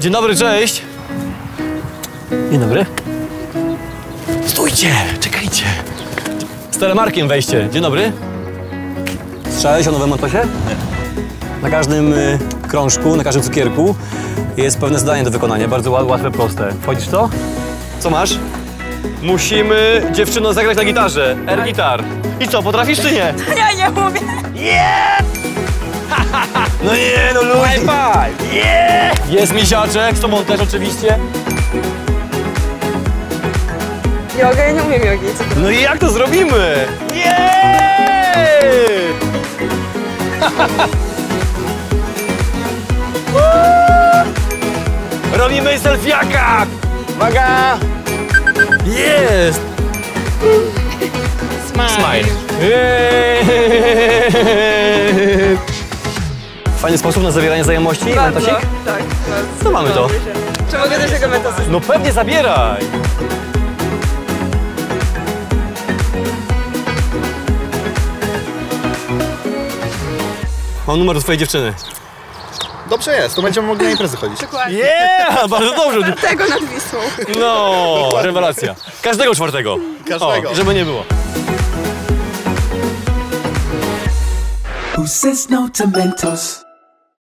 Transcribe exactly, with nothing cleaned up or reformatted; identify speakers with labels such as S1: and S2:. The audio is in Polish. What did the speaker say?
S1: Dzień dobry, cześć. Dzień dobry. Stójcie, czekajcie. Z telemarkiem wejście. Dzień dobry. Słyszałeś o nowym Mentosie? Nie. Na każdym y, krążku, na każdym cukierku jest pewne zadanie do wykonania, bardzo łatwe, proste. Wchodzisz w to? Co masz? Musimy, dziewczyno, zagrać na gitarze. Air gitar. I co, potrafisz czy nie?
S2: Ja nie umiem.
S1: Yeah! No nie, no ludzie. High five. Yeah! Jest misiaczek, z tobą też oczywiście.
S2: Joga? Ja nie umiem jogi.
S1: No i jak to zrobimy? Yeah! Robimy selfiaka! Uwaga! Jest!
S2: Smile.
S1: Smile. Fajny sposób na zawieranie znajomości, Mentosik?
S2: Tak, tak.
S1: To mamy to.
S2: Czy mogę też tego Mentosa?
S1: No pewnie, zabieraj! Mam numer do twojej dziewczyny.
S3: Dobrze jest, to będziemy mogli na imprezy chodzić.
S2: Dokładnie.
S1: Yeah! Bardzo dobrze!
S2: Tego nad Wisłą.
S1: No, rewelacja. Każdego czwartego.
S3: Każdego.
S1: O, żeby nie było.
S4: Who says no to Mentos?